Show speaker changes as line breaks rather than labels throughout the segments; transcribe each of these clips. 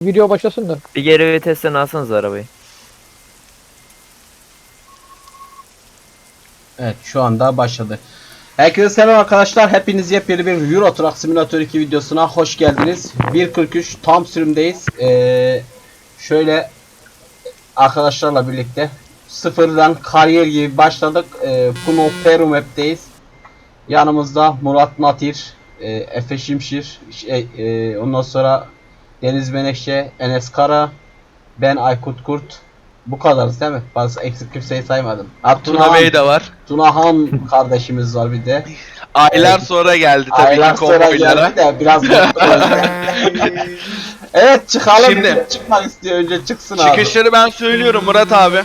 Video başlasın da.
Bir geri vitesten alsanız arabayı.
Evet, şu anda başladı. Herkese selam arkadaşlar. Hepiniz yepyeni bir Euro Truck Simulator 2 videosuna hoş geldiniz. 1.43 tam sürümdeyiz. Şöyle arkadaşlarla birlikte sıfırdan kariyer gibi başladık. Puno Peru Map'teyiz. Yanımızda Murat Natir, Efe Şimşir, ondan sonra Deniz Menekşe, Enes Kara, ben Aykut Kurt. Bu kadarız değil mi? Bazı eksik kimseyi saymadım.
Tuna Bey de var.
Tunahan kardeşimiz var bir de.
Aylar sonra geldi tabii
Aylar
ki
sonra
konvoylara.
geldi de biraz evet çıkalım.
Şimdi-
Çıkmak istiyor, önce çıksın abi.
Çıkışları ben söylüyorum Murat abi.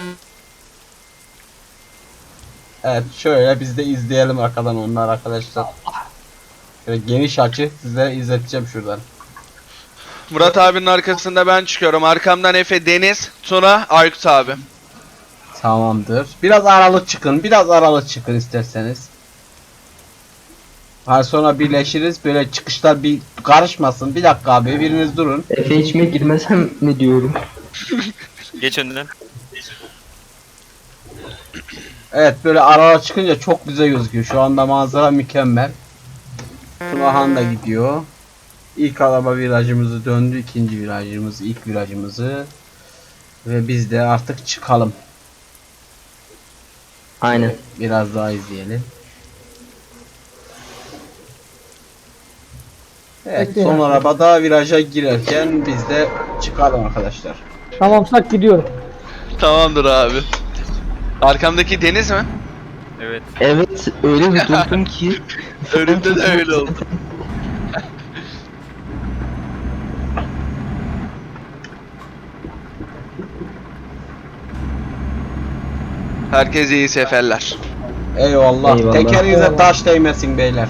Evet, şöyle biz de izleyelim arkadan onlar arkadaşlar. Şöyle geniş açı size izleteceğim şuradan.
Murat abinin arkasında ben çıkıyorum. Arkamdan Efe, Deniz, Tuna, Aykut abi.
Tamamdır. Biraz aralık çıkın. Biraz aralık çıkın isterseniz. Daha sonra birleşiriz. Böyle çıkışlar bir karışmasın. Bir dakika abi, biriniz durun.
Efe içime girmesem mi diyorum?
Geç önden.
Evet, böyle aralık çıkınca çok güzel gözüküyor. Şu anda manzara mükemmel. Tunahan da gidiyor. İlk araba virajımızı döndü. İkinci virajımızı, ilk virajımızı. Ve biz de artık çıkalım.
Aynen.
Biraz daha izleyelim. Evet,
Bekle
son
ya.
arabada viraja girerken biz de çıkalım arkadaşlar.
Tamamsak gidiyorum.
Tamamdır abi. Arkamdaki Deniz mi?
Evet.
Evet öyle bir durdum ki.
Önümde de öyle oldu. Herkese iyi seferler.
Eyvallah.
Eyvallah.
Tekerinize
Eyvallah.
taş değmesin beyler.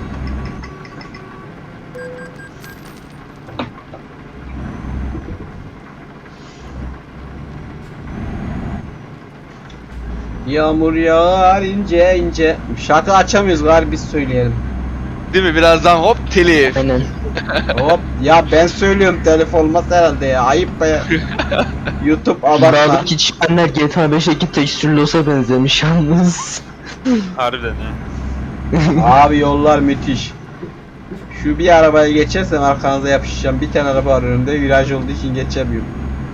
Yağmur yağar ince ince. Şarkı açamıyoruz galiba, biz söyleyelim.
Değil mi? Birazdan hop telif.
Aynen.
Hop ya, ben söylüyorum, telif olmaz herhalde ya. Ayıp be. YouTube abartma.
Buradaki çimenler GTA 5'teki tekstürlü olsa benzemiş yalnız.
Harbiden ya.
Abi yollar müthiş. Şu bir arabaya geçersem arkanıza yapışacağım. Bir tane araba var önümde, viraj olduğu için geçemiyorum.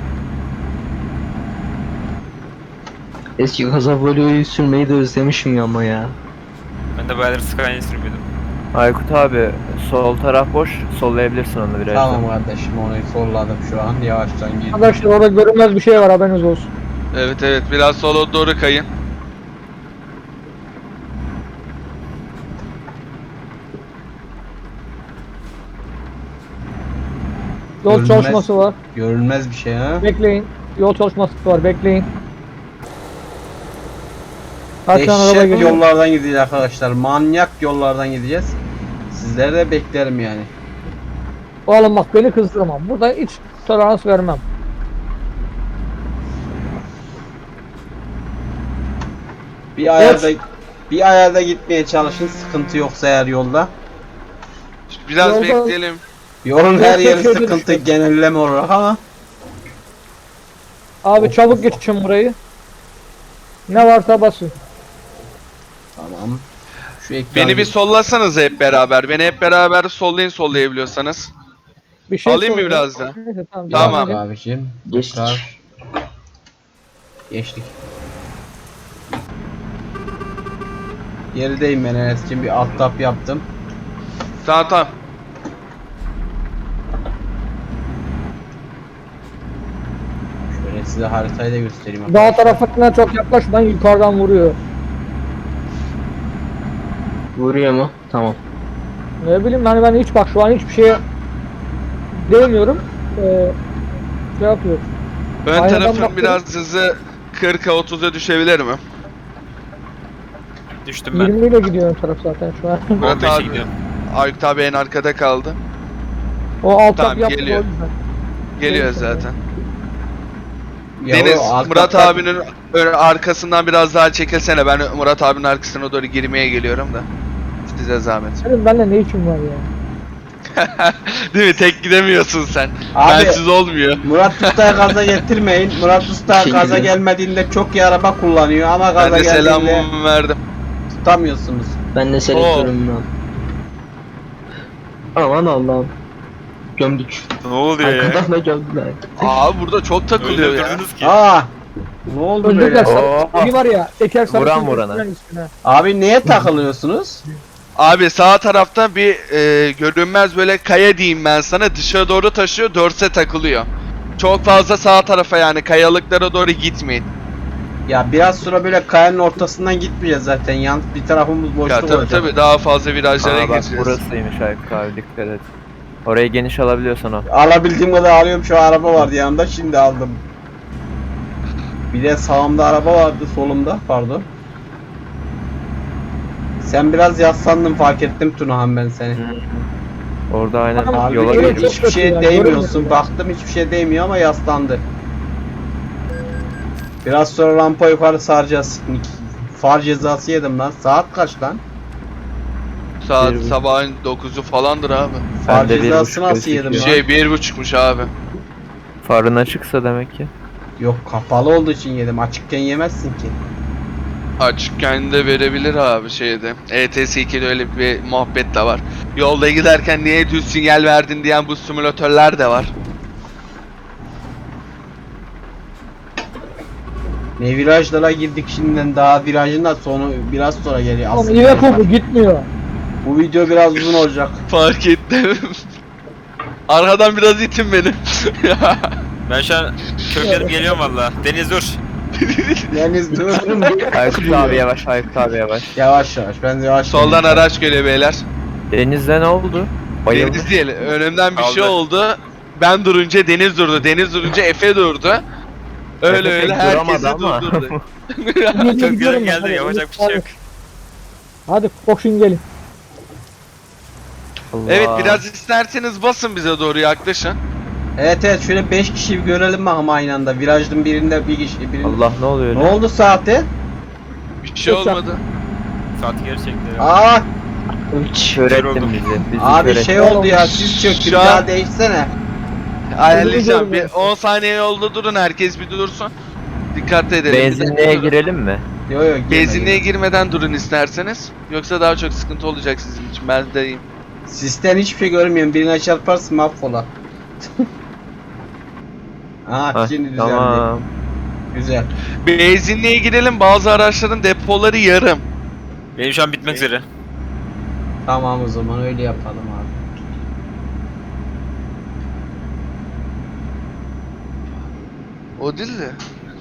Eski Casavolio'yu sürmeyi de özlemişim ya ama ya.
Ben de bayağıdır Skyline sürmüyordum.
Aykut abi sol taraf boş, sollayabilirsin onu biraz.
Tamam kardeşim, onu solladım şu an. Yavaştan gir.
Arkadaşlar orada görünmez bir şey var, haberiniz olsun.
Evet evet, biraz sola doğru kayın.
Yol
Görünmez.
çalışması var.
Görünmez bir şey ha.
Bekleyin. Yol çalışması var, bekleyin. Kaç tane araba
Dehşet
geliyor?
yollardan gideceğiz arkadaşlar. Manyak yollardan gideceğiz. Sizleri de beklerim yani.
Oğlum bak, beni kızdırma. Burada hiç tolerans vermem.
Bir ayarda gitmeye çalışın, sıkıntı yoksa eğer yolda.
Biraz
Yolda-
bekleyelim.
Yolun her yeri
Şöyle
sıkıntı,
düşün.
genelleme olarak ama.
Abi çabuk geçin burayı. Ne varsa basın.
Tamam. Şu ekran...
Beni bir sollasanız hep beraber. Beni hep beraber sollayın, sollayabiliyorsanız.
Bir şey
Alayım mı
sorun.
biraz da?
Neyse, tamam.
Tamam
Tamam.
devam edin.
abiciğim.
Geçtik.
Tekrar. Geçtik. Gerideyim ben Enes'cim, bir alt tap yaptım.
Tamam tamam.
Şöyle size haritayı da göstereyim.
Dağ tarafına çok yaklaşmayın, yukarıdan vuruyor.
Vuruyor mu? Tamam.
Ne bileyim, hani ben hiç, bak şu an hiçbir şeye değmiyorum. Şey yapıyor.
Ön
Aynadan
tarafın
baktım.
biraz hızı 40'a 30'a düşebilir mi?
Düştüm ben.
20 ile gidiyor ön taraf zaten şu an.
Murat
15'e
abi,
gidiyorum.
Aykut abi en arkada kaldı.
O alt
Tamam,
tap yaptı
geliyor.
o yüzden.
Geliyor
Neyse.
zaten.
Ya
Deniz,
o alt
Murat
taplar-
abinin arkasından biraz daha çekilsene. Ben Murat abinin arkasına doğru girmeye geliyorum da. Size zahmet.
Senin benimle ne işin var ya?
Değil mi? Tek gidemiyorsun sen.
Abi-
Bensiz olmuyor.
Murat Usta'ya gaza getirmeyin. Murat Usta
Teşekkür
gaza
ederim.
gelmediğinde çok iyi araba kullanıyor ama
Ben
gaza
de
geldiğinde
selamımı verdim.
tutamıyorsunuz.
Ben de selektörüm lan. Aman Allah'ım. Gömdük.
Ne oluyor ya?
Arkadan da gömdüler.
Abi burada çok takılıyor ya.
Öldürdünüz ki.
Aa! Ne oldu
Öldürdüler.
böyle?
Oo.
Bir var ya teker sarı
Vuran
çizgi
vurana.
üstüne.
Abi neye takılıyorsunuz?
Abi sağ tarafta bir görünmez böyle kaya diyeyim ben sana, dışarı doğru taşıyor, dörse takılıyor. Çok fazla sağ tarafa yani kayalıklara doğru gitmeyin.
Ya biraz sonra böyle kayanın ortasından gitmeyeceğiz zaten. Yan bir tarafımız
Ya
boşluk
tabii
olacak.
tabii daha fazla virajlara
Aa, bak
gireceğiz.
burasıymış Aykut abi, dikkat et. Orayı geniş alabiliyorsan al.
Alabildiğim kadar alıyorum, şu araba vardı yanında, şimdi aldım. Bir de sağımda araba vardı, solumda pardon. Sen biraz yaslandın, fark ettim Tunahan ben seni.
Orada aynen
Abi,
yola
evet,
girmiş.
çok
hiçbir
kötü
şeye
ya,
değmiyorsun.
görmedim ya.
Baktım hiçbir şeye değmiyor ama yaslandı. Biraz sonra rampa yukarı saracağız. Far cezası yedim lan. Saat kaç lan?
Saat
Bir-
sabahın 9'u falandır abi.
Far
Ben de bir
cezası
buçuk
nasıl
gözüküyor.
yedim lan?
Şey 1.5'muş abi.
Farın açıksa demek ki.
Yok, kapalı olduğu için yedim. Açıkken yemezsin ki.
Açıkken de verebilir abi şeyde. ETS 2'de öyle bir muhabbet de var. Yolda giderken niye düz sinyal verdin diyen bu simülatörler de var.
Ne virajlara girdik şimdiden, daha virajın da sonu biraz sonra geliyor.
Oğlum
Aslında
Iveco bu gitmiyor.
bu video biraz uzun olacak.
Fark ettim. Arkadan biraz itin beni.
Ben şu an kökledim geliyorum valla. Deniz dur.
Deniz dur.
Aykut abi yavaş, Aykut abi yavaş.
Yavaş yavaş, ben de yavaş
Soldan
geleyim.
araç geliyor beyler.
Denizde ne oldu? Bayıldı.
Deniz değil. Önümden bir şey
Aldı.
oldu. Ben durunca Deniz durdu. Deniz durunca Efe durdu. Öyle
Efe
öyle
pek
herkesi
duramadı ama.
durdurdu.
Köklerim geldi yapacak bir şey yok.
Hadi koşun gelin.
Allah.
Evet biraz isterseniz basın bize doğru yaklaşın.
Evet şöyle 5 kişi bir görelim bakalım aynı anda. Virajın birinde bir kişi birinde.
Allah ne oluyor?
Ne oldu saate?
Bir şey olmadı.
Saati geri çekti.
Aa
Kör
Kör
ettin
oldum.
bizi. Bizi
abi
kör
şey
ettin.
oldu ya, siz çöktü, bir
Şu an-
daha değişsene.
Ayarlayacağım. Bir
Biliyorum
10 saniye yolda durun, herkes bir dursun. Dikkat edelim.
Benzinliğe girelim mi?
Yo yo girme,
Benzinliğe
girme.
girmeden durun isterseniz. Yoksa daha çok sıkıntı olacak sizin için. Ben de diyeyim.
Sisten hiçbir şey görmüyorum, birine çarparsın mahvola. Aa
Hah,
şimdi düzeldi.
tamam.
Güzel.
Benzinliğe girelim. Bazı araçların depoları yarım.
Benim şu an bitmek üzere.
Tamam o zaman öyle yapalım abi.
O değil de.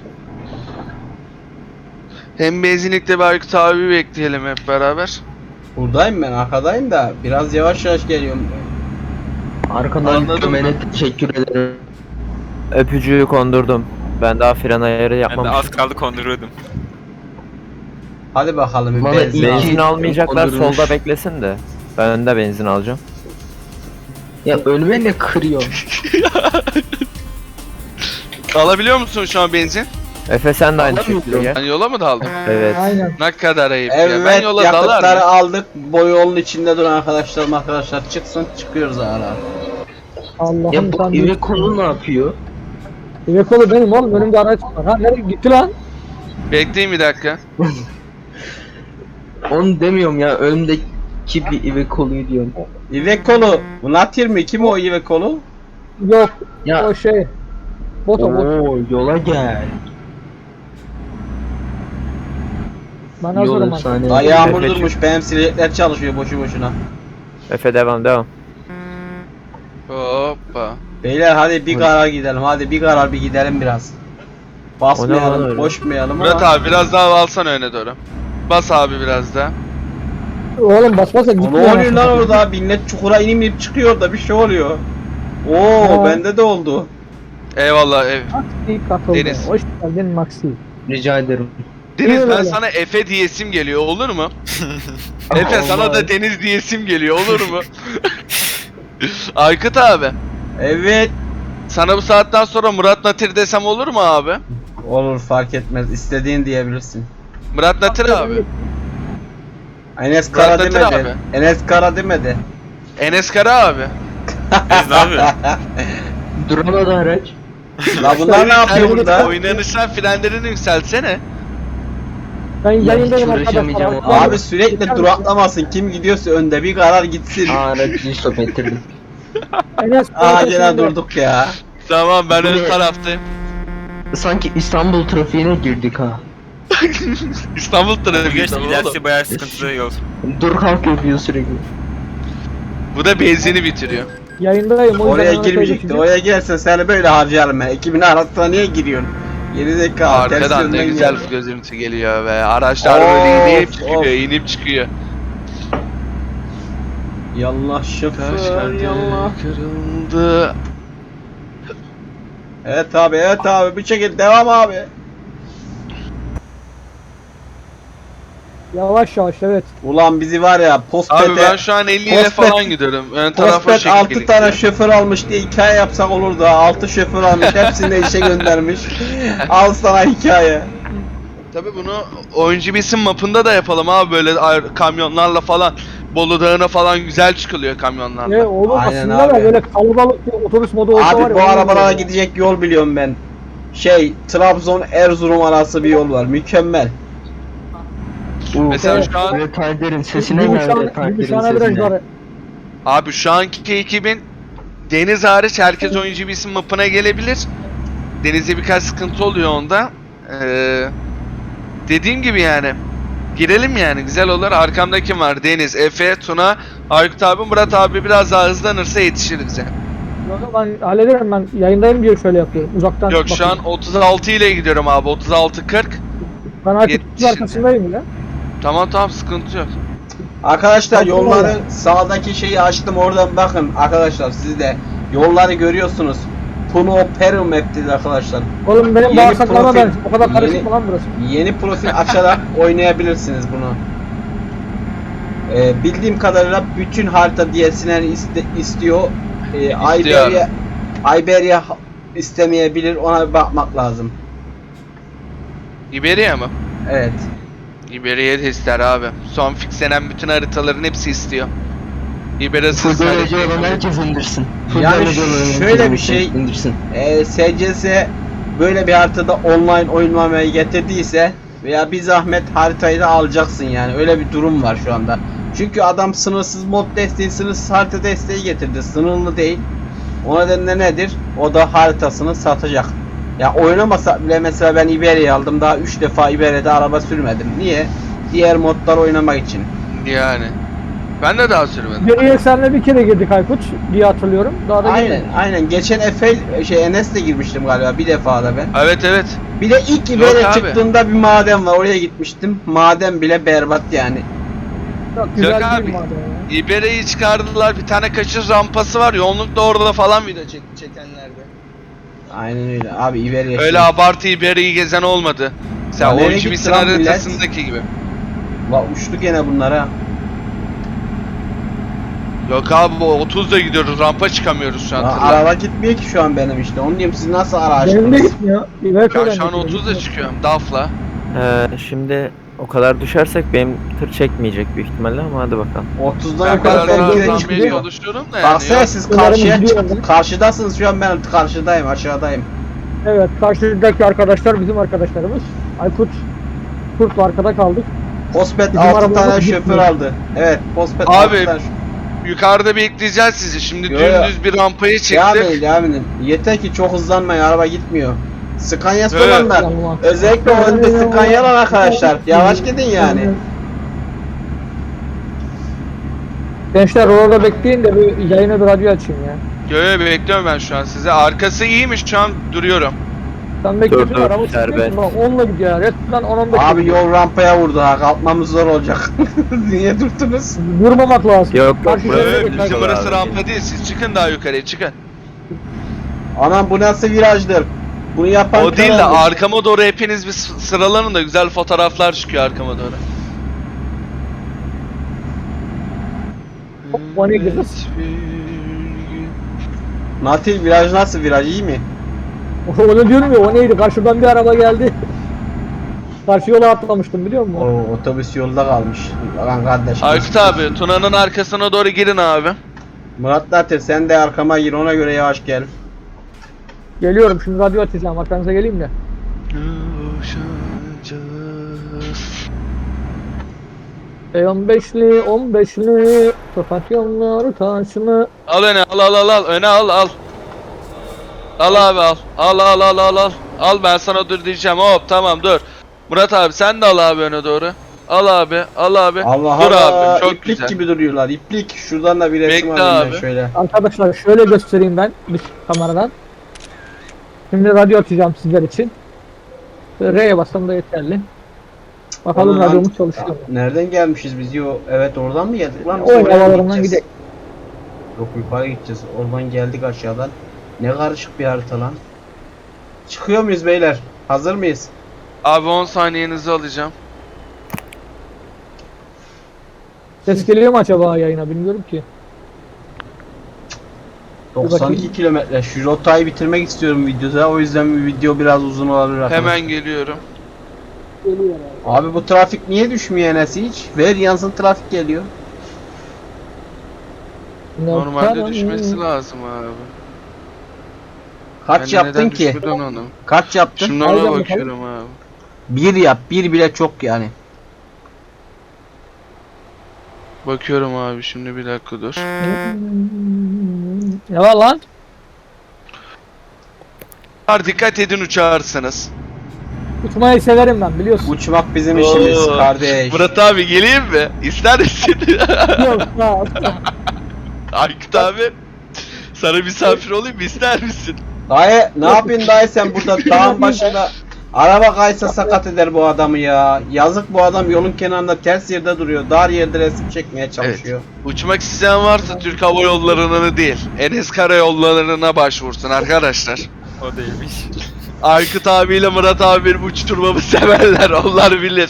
Hem benzinlikte bir Aykut abi bekleyelim hep beraber.
Buradayım ben, arkadayım da biraz yavaş yavaş geliyorum.
Arkadan
Anladım
gömene teşekkür ederim.
Öpücüğü kondurdum. Ben daha fren ayarı
Ben de
yapmamışım.
az kaldı konduruyordum.
Hadi bakalım bir
Bana
benzin
iyi
al.
Benzin almayacaklar,
kondurmuş.
solda beklesin de. Ben önde benzin alacağım.
Ya ölüme ne kırıyor?
Alabiliyor musun şu an benzin?
Efe sen de aynı
Alamıyorum.
şekilde gel.
Ben yola mı daldım?
Evet.
Aynen.
Ne kadar ayıp ya. Ben
Evet,
yola
yakıtları
dalarım.
aldık. Bu yolun içinde duran arkadaşlar çıksın, çıkıyoruz ara.
Allah'ım
Ya bu
sen
Iveco'lu ne yapıyor?
Iveco'lu benim oğlum, önümde araç var. Ha nereye gitti lan?
Bekleyin bir dakika.
Onu demiyorum ya, önümdeki bir Iveco'luyu diyorum.
Iveco'lu. Bu Natir mi? Kim o Iveco'lu?
Yok
Ya
o şey. Boto.
ooo yola gel.
Ben
Yol
hazırım abi.
efsane.
Ay yağmur
Efe
durmuş. Benim silecekler çalışıyor boşu boşuna.
Efe devam.
Hoppa.
Beyler hadi bir karar gidelim. Hadi bir karar bir gidelim biraz.
O ne lan
Basmayalım,
öyle?
koşmayalım
Murat
ama.
abi biraz daha alsana öne doğru. Bas abi biraz daha.
Oğlum basmasa
Ne
gitmiyor.
oluyor lan orada? Millet çukura inip çıkıyor da bir şey oluyor. Oo
Ha.
bende de oldu.
Eyvallah.
Maxi katıldı.
Deniz.
Hoş geldin Maxi.
Rica ederim.
Deniz ben
Öyle.
sana Efe diyesim geliyor, olur mu? Efe sana
Allah.
da Deniz diyesim geliyor, olur mu? Aykut abi,
Evet.
sana bu saatten sonra Murat Natir desem olur mu abi?
Olur, fark etmez. İstediğin diyebilirsin.
Murat Natir abi.
Enes Kara
Murat Natir
demedi.
abi.
Enes Kara demedi.
Enes Kara abi.
Biz ne yapıyorsun?
Duramadı araç.
La bunlar ne yapıyor burada?
Oynanıştan frenlerini yükseltsene.
Ben yayındayım
hiç
arkadaşlar.
uğraşamayacağım
Abi sürekli duraklamasın. Kim gidiyorsa önde bir karar gitsin.
Aracı stop ettirdim.
Enes
Aa gene durduk ya.
Tamam ben ön
Ne?
taraftayım.
Sanki İstanbul trafiğine girdik ha.
İstanbul
Bu
trafiği
geçti
oğlum.
ilerisi bayağı sıkıntılı yol.
Dur kalk yapıyor sürekli.
Bu da benzini bitiriyor.
Yayındayım. O yüzden
Oraya
Mehmet'e
girmeyecekti.
geçeceğim.
Oraya gelsen seni böyle harcarım ben. Ekibin arasına niye giriyorsun? Geri zekalı.
Arkadan ne güzel görüntü geliyor be. Araçlar
Of,
böyle inip çıkıyor,
of.
inip çıkıyor.
Yallah şoför yallah.
Kırıldı.
Evet abi bir şekilde devam abi.
Yavaş yavaş evet.
Ulan bizi var ya
Abi ben
Postpet'e
şu an 50 ile
Postpet-
falan gidiyorum. Ön tarafa
Postpet
şekil
6 tane şoför almış diye hikaye yapsak olur da 6 şoför almış hepsini de işe göndermiş. Al sana hikaye.
Tabi bunu oyuncu bilsin mapında da yapalım abi böyle kamyonlarla falan. Bolu Dağı'na falan güzel çıkılıyor kamyonlarla.
Oğlum
Aynen
aslında
abi.
da böyle kalabalık bir otobüs modu olsa var
Abi
ya.
bu
onu
arabalara
yapıyorum.
gidecek yol biliyorum ben. Trabzon Erzurum arası bir yol var. Mükemmel.
Mesela şu an
Retarder'in sesine geldi retarder'in
Gümüşhane
sesine.
virajları.
abi şu anki ekibin deniz hariç herkes oyuncu bilsin mapına gelebilir. Denizde birkaç sıkıntı oluyor onda. Dediğim gibi yani. Girelim yani güzel olur. Arkamda kim var? Deniz, Efe, Tuna, Aykut abi, Murat abi biraz daha hızlanırsa yetişir bize.
Yok, ben hallederim, ben yayındayım diye şöyle yapıyorum. Uzaktan
Yok şu an
bakıyorum.
36 ile gidiyorum abi. 36-40.
Ben artık
yetişin.
arkasındayım bile.
Tamam sıkıntı yok.
Arkadaşlar
Bakın
yolları
oraya.
sağdaki şeyi açtım oradan bakın arkadaşlar siz de yolları görüyorsunuz. Puno Peru Map dedi arkadaşlar.
Oğlum benim
Yeni
bağırsaklarıma
profil-
ben o kadar karışık
yeni-
mı lan burası?
Yeni profil açarak oynayabilirsiniz bunu. Bildiğim kadarıyla bütün harita DLC'lerini istiyor.
İstiyor.
Iberia istemeyebilir, ona bir bakmak lazım.
İberia mı?
Evet.
İberia de ister abi. Son fixlenen bütün haritaların hepsi istiyor. İberia'sız
Full derece
harita
olan
yok.
herkes indirsin. Full
Yani
derece olan herkes
şöyle bir şey-
indirsin.
SCS böyle bir haritada online oynamayı getirdiyse veya bir zahmet haritayı da alacaksın yani, öyle bir durum var şu anda. Çünkü adam sınırsız mod desteği, sınırsız harita desteği getirdi. Sınırlı değil. O nedenle nedir? O da haritasını satacak. Ya oynamasa bile mesela ben Iberia'yı aldım. Daha 3 defa Iberia'da araba sürmedim. Niye? Diğer modlar oynamak için.
Yani. Ben de daha sürmedim.
Geriye senle bir kere girdik Aykut diye hatırlıyorum. Daha da
Aynen. Geçen Enes'le girmiştim galiba bir defa da ben.
Evet.
Bir de ilk Iberia
abi.
çıktığında bir maden var. Oraya gitmiştim. Maden bile berbat yani.
Çok güzel
Yok
değil
abi.
madem ya.
İberia'yı çıkardılar. Bir tane kaçış rampası var. Yoğunlukla orada falan video çekenlerde.
Aynen öyle. Abi Iberia
Öyle abartı İberia'yı gezen olmadı. Sen
Ya nereye
oyuncu
gitti
bilsin
lan millet?
haritasındaki gibi.
Uçtu gene bunlara.
Yok abi bu 30'da gidiyoruz. Rampa çıkamıyoruz şu an. tırla.
Araba gitmiyor ki şu an benim işte. Onu diyorum, siz nasıl ara
Benim de
açtınız?
gitmiyor.
Ben şu an 30'da çıkıyorum. DAF'la.
Şimdi o kadar düşersek benim tır çekmeyecek büyük ihtimalle ama hadi bakalım.
30'dan
Ben
yukarı
kadar
ben
sen
de
direkt
rampaya
çıkıyor.
oluşturuyorum da yani.
Baksana
yok.
siz
Bunların
karşıya
gidiyor
karşıdasınız şu an, ben karşıdayım, aşağıdayım.
Evet, karşıdaki arkadaşlar bizim arkadaşlarımız. Aykut Kurt'la arkada kaldık.
Postpet
Bizim
6
arabamız
tane
gitmiyor.
şoför aldı. Evet, Postpet
Abi,
6 tane.
Yukarıda bekleyeceğiz sizi. Şimdi
Yo, yo.
dümdüz bir rampayı
Devam
çektik.
edin, devam edin. Yeter ki çok hızlanmayın, araba gitmiyor. Scania'sı
Evet.
olanlar,
Yanıma.
özellikle o önde Scania'lar arkadaşlar. Yavaş gidin yani.
Gençler orada bekleyin de bir yayına bir radyo açayım ya.
Yo bekliyorum ben şu an size. Arkası iyiymiş şu an duruyorum.
Sen bekliyorsun,
dur,
araba
serbest.
sıkıyorsun. Bak 10'la gidiyor ya. Resmen 10-15.
Abi yol rampaya vurdu ha, kalkmamız zor olacak. Niye durdunuz?
Vurmamak lazım.
Yok,
Karşı
buraya
şeride
bir
geçer.
Bizim
Abi.
burası rampa değil. Siz çıkın daha yukarıya çıkın.
Anam bu nasıl virajdır? Bunu yapan
O değil de
kanaldır.
arkama doğru hepiniz bir sıralanın da güzel fotoğraflar çıkıyor arkama doğru.
Hop, bana gireriz.
Natil viraj nasıl, viraj iyi mi?
Onu diyorum ya, o neydi? Karşıdan bir araba geldi. Karşı yola atlamıştım biliyor musun?
O otobüs yolda kalmış. Lan kardeş.
Aykut abi Tuna'nın arkasına doğru girin abi.
Murat Natir sen de arkama gir, ona göre yavaş gel.
Geliyorum şimdi, radyo atacağım. Arkanıza geleyim de. E15'li 15'li Tokat yolları taşını.
Al öne, al öne al. Al abi al. Al. Al, ben sana dur diyeceğim. Hop tamam dur. Murat abi sen de al abi öne doğru. Al abi.
Allah
Dur
Allah,
abi, çok
iplik
güzel.
gibi duruyorlar. İplik. Şuradan da bir resim
Bekle
alayım ben
abi.
şöyle.
Arkadaşlar şöyle göstereyim ben dış kameradan. Şimdi radyo atacağım sizler için. R'ye bassam da yeterli. Bakalım
Ulan,
radyomuz çalışıyor mu?
nereden gelmişiz biz? Yo, evet oradan mı geldik lan? Biz
O
oraya mı
havalarından
gideceğiz?
gidelim.
Yok, yukarı gideceğiz. Oradan geldik aşağıdan. Ne karışık bir harita lan. Çıkıyor muyuz beyler? Hazır mıyız?
Abi 10 saniyenizi alacağım.
Ses geliyor mu acaba yayına, bilmiyorum ki.
92 kilometre. Şu rotayı bitirmek istiyorum videoda. O yüzden bu video biraz uzun olabilir arkadaşlar.
Hemen geliyorum.
Geliyor abi.
Abi bu trafik niye düşmüyor Enes hiç? Ver yansın, trafik geliyor.
Normalde düşmesi lazım abi.
Kaç
Ben de
yaptın
neden
ki?
düşmeden onu?
Kaç yaptın?
Şimdi
Aynen
ona
bakalım.
bakıyorum abi.
Bir yap. Bir bile çok yani.
Bakıyorum abi şimdi, bir dakika dur.
Ne var lan?
Dikkat edin uçarsınız.
Uçmayı severim ben, biliyorsun.
Uçmak bizim işimiz
Oo.
kardeş.
Murat abi geleyim mi? İster misin?
Yok, sağ ol.
Aykut abi. Sana misafir olayım mı? İster misin?
Dayı ne yapayım dayı, sen burada dağın başında araba kaysa sakat eder bu adamı ya. Yazık, bu adam yolun kenarında ters yerde duruyor. Dar yerde resim çekmeye çalışıyor.
Uçmak isteyen varsa Türk Hava Yolları'nı değil, Enes Karayolları'na başvursun arkadaşlar.
O değilmiş.
Aykut abiyle Murat abi benim uçturmamı severler, onlar bilir.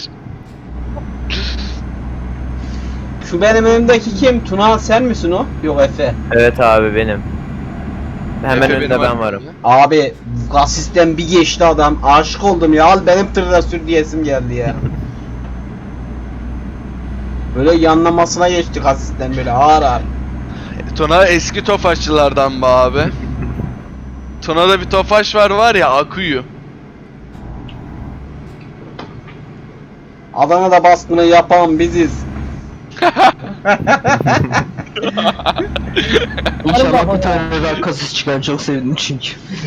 Şu benim önümdeki kim? Tuna sen misin o? Yok, Efe.
Evet abi benim. Hemen
Efe
önünde
benim
ben
abi.
varım.
Abi gasisten bir geçti adam. Aşık oldum ya. Al benim tırda sür diyesim geldi ya. Böyle yanlamasına geçti gasisten, böyle ağır ağır.
Tuna eski tofaşçılardan be abi. Tuna'da bir tofaş var ya, Akuyu.
Adana'da baskını yapan biziz.
İnşallah bir tane daha kasız çıkar, çok sevdim çünkü.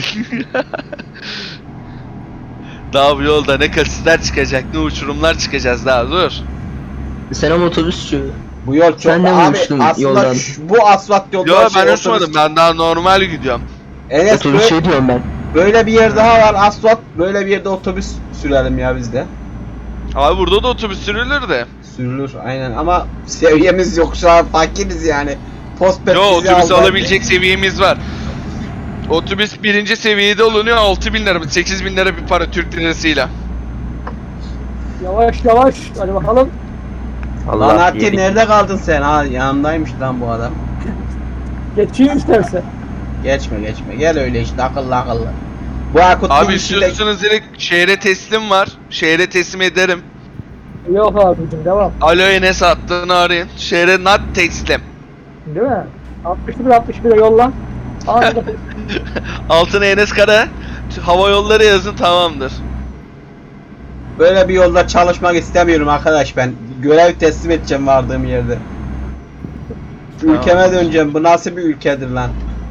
Daha bu yolda ne kasisler çıkacak, ne uçurumlar çıkacağız daha, dur.
Selam otobüsçü.
Bu yol çok
Sen de mi
abi
uçtun
aslında
yoldan?
bu asfalt yolda
Yo
şey,
ben
otobüs-
uçmadım, ben daha normal gidiyorum.
Enes
Otobüs
böyle,
şey diyorum ben.
böyle bir yer daha var, asfalt, böyle bir yerde otobüs sürelim ya biz de.
Abi burada da otobüs sürülür de.
Sürülür aynen, ama seviyemiz yok şu an, fakiriz yani. Postpet
Yo,
bizi
otobüs
aldı.
alabilecek seviyemiz var. Otobüs birinci seviyede olunuyor, 6.000 lira mı 8.000 lira bir para Türk lirasıyla.
Yavaş yavaş, hadi bakalım.
Lan Ati
yedik.
nerede kaldın sen? Ha, yanımdaymış lan bu adam.
Geçeyim istersen.
Geçme gel öyle işte, akıllı. Bu Akut'un
Abi
içinde...
istiyorsanız direkt şehre teslim var. Şehre teslim ederim.
Yok abicim, devam.
Alo Enes hattını arayın. Şehre not teslim.
Değil mi? 61'e yolla. Anında
Altına Enes Kara hava yolları yazın, tamamdır.
Böyle bir yolda çalışmak istemiyorum arkadaş ben. Görev teslim edeceğim vardığım yerde.
Tamam.
Ülkeme döneceğim. Bu nasıl bir ülkedir lan?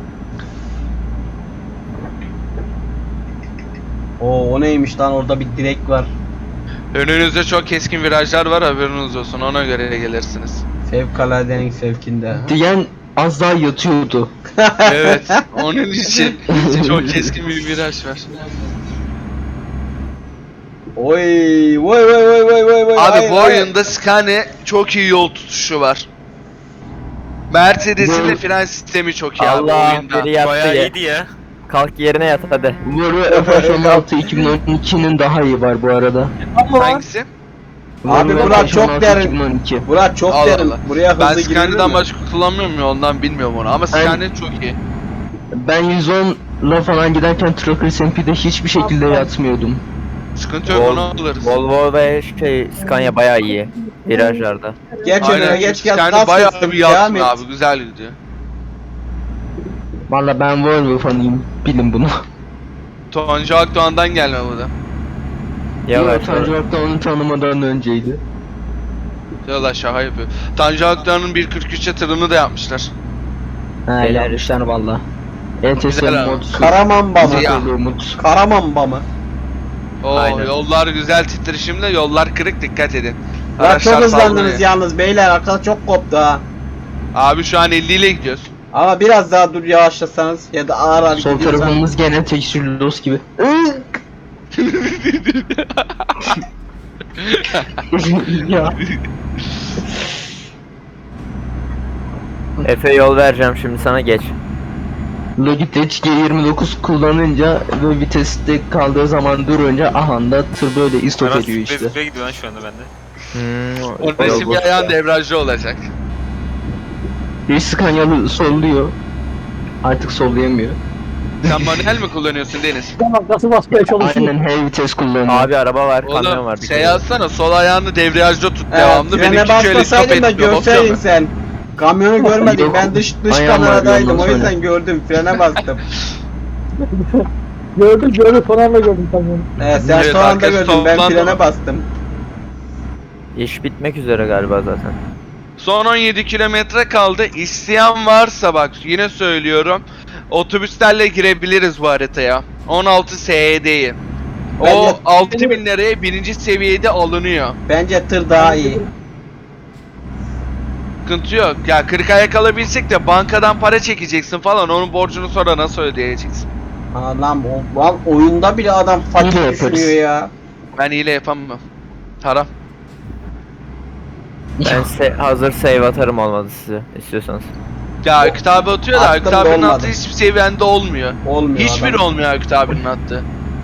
Oo, o neymiş lan, orada bir direk var.
Önünüzde çok keskin virajlar var, haberiniz olsun, ona göre gelirsiniz.
Fevkaladenin fevkinde.
Diyen az daha yatıyordu.
Evet, onun için çok keskin bir viraj var.
Oy vay.
Abi bu oyunda Scania çok iyi yol tutuşu var. Mercedes'in de fren sistemi çok iyi abi
Allah
oyunda.
biri yattı
Bayağı
ya.
iyiydi ya.
Kalk yerine yat hadi.
Volvo F16 2012'nin daha iyi var bu arada.
ama var.
Hangisi?
Abi
Volvo
Murat çok
F16
derin.
2012.
Burak çok
Allah
derin.
Allah.
Buraya
Ben
hızlı girilir
Scania'dan
mi?
başka kullanmıyorum ya, ondan bilmiyorum onu, ama Scania çok iyi.
Ben 110'la falan giderken Tracker SMP'de hiçbir şekilde yatmıyordum.
Sıkıntı yok, onu alırız.
Volvo ve Scania bayağı iyi. Virajlarda.
Geç önüne
Aynen,
geç gel.
Scania
Gaz
bayağı
kestim,
bir
devam
yattın
et.
abi, güzel gidiyor.
Valla ben Volvo fanıyım. Bilin bunu.
Toncu Akdoğan'dan gelme bu da.
Yavaş.
Tanju Aktan onu tanımadan önceydi.
Diyorlar şaka yapıyor. Tanju Akdoğan'ın 1.43'e tırını da yapmışlar.
Ha yarışlar valla. ETS
Güzel abi.
mod.
Karamanba mı?
Ya.
Umut.
Karamanba mı?
Oo
Aynen.
yollar güzel titreşimde, yollar kırık, dikkat edin.
Ya
Araçlar
çok hızlandınız
sallanıyor.
yalnız beyler, arka çok koptu ha.
Abi şu an 50 ile gidiyoruz.
Ama biraz daha dur yavaşlasanız ya da ağır ağır
Sol
gidiyorsanız.
tarafımız gene tekstürlü los gibi. Ya.
Efe yol vereceğim şimdi sana, geç.
Logitech G29 kullanınca ve viteste kaldığı zaman durunca ahanda tır böyle istop
Hemen
ediyor işte.
spreye gidiyor lan şu anda bende.
Orada
yol
şimdi
boş
ayağın
ya.
debriyajlı olacak.
Bir Scania'lı solluyor. Artık sollayamıyor.
Sen manuel mi kullanıyorsun Deniz?
Tamam, nasıl basmaya çalışıyor?
Aynen heavy vites kullanıyor.
Abi araba var, kamyon
Oğlum
var.
şey yazsana, sol ayağını debriyajda tut
Evet,
devamlı.
frene
Benimki şöyle stop
basmasaydın da
etmiyor.
görseydin
Bakıyor mu?
sen. Kamyonu görmedim,
Yok,
ben dış
ayağım var
kameradaydım,
ondan
o yüzden
sonra.
gördüm, frene bastım.
Gördüm, son anda gördüm kamyonu.
Evet, sen
Evet,
son anda
arkası
gördün, ben
toplandı
frene
mı?
bastım.
İş bitmek üzere galiba zaten.
Son 17 kilometre kaldı. İsteyen varsa bak yine söylüyorum. Otobüslerle girebiliriz bu haritaya. 16 SED'yi. O
Bence-
6000 liraya birinci seviyede alınıyor.
Bence tır daha iyi.
Sıkıntı yok. Ya 40'a yakalabilsek de bankadan para çekeceksin falan. Onun borcunu sonra nasıl ödeyeceksin?
Ha lan, lan oyunda bile adam fakir
Hile yaparız.
düşünüyor ya.
Ben hile yapamam. Haram.
Ben hazır save atarım olmadı size istiyorsanız.
Ya Aykut abi atıyor da
Attım
Aykut
da
abinin
olmadı.
attığı hiçbir seviyende olmuyor.
Olmuyor
Hiçbiri
adam.
olmuyor Aykut abinin attığı.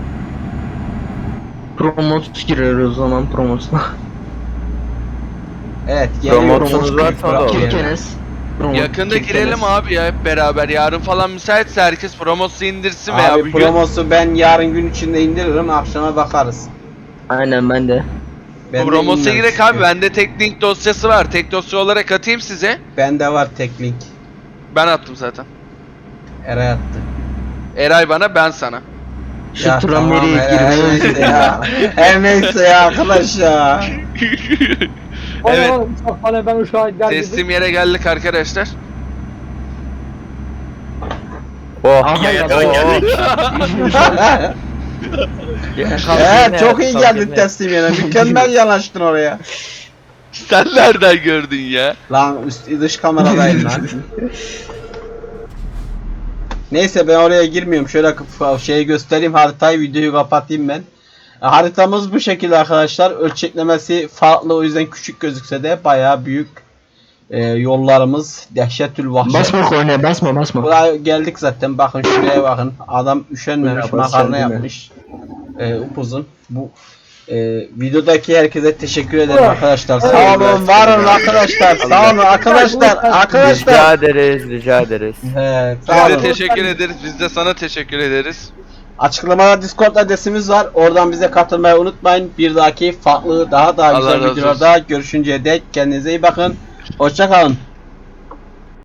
Promot girer o zaman promotuna.
Evet,
Promosyonunuz varsa o da olur.
Kirkenes. Promot,
Yakında
Kirkenes.
girelim abi ya hep beraber. Yarın falan müsaitse herkes promosu indirsin veya
Abi
bir gün.
promosu ben yarın gün içinde indiririm, akşama bakarız.
Aynen ben de.
Ben de
Promosa
indirmek
girek
istiyorum.
abi. Bende tek link dosyası var. Tek dosya olarak atayım size.
Bende var tek link.
Ben attım zaten.
Eray attı.
Eray bana, ben sana.
Şu
Ya
tram
tamam,
nereye
her neyse
girmeye
ya. Her neyse ya arkadaş ya.
Evet.
Oğlum, uçak bana, ben uçağa gider gibi.
Teslim yere geldik arkadaşlar.
Oh.
Aha ya,
geldik.
Evet, çok iyi geldin teslim yerine. Mükemmel yanaştın oraya.
Sen nereden gördün ya?
Lan dış kameradayım lan. Neyse, ben oraya girmiyorum. Şöyle şeyi göstereyim, haritayı, videoyu kapatayım ben. Haritamız bu şekilde arkadaşlar. Ölçeklemesi farklı, o yüzden küçük gözükse de bayağı büyük. Yollarımız dehşetül vahşet.
Basma kornaya basma.
Buraya geldik zaten, bakın şuraya bakın. Adam üşenmemiş,
Buraya bas,
makarna
sen değil mi?
yapmış. Upuzun. Bu videodaki herkese teşekkür ederim arkadaşlar. Sağ olun, var olun arkadaşlar. Sağ olun arkadaşlar. Arkadaşlar.
Rica ederiz, rica ederiz.
Biz
Sağ
de
olun.
teşekkür ederiz. Biz de sana teşekkür ederiz.
Açıklamada Discord adresimiz var. Oradan bize katılmayı unutmayın. Bir dahaki farklı, daha
Allah
güzel
razı
videolarda görüşünceye dek kendinize iyi bakın. Hoşça kalın.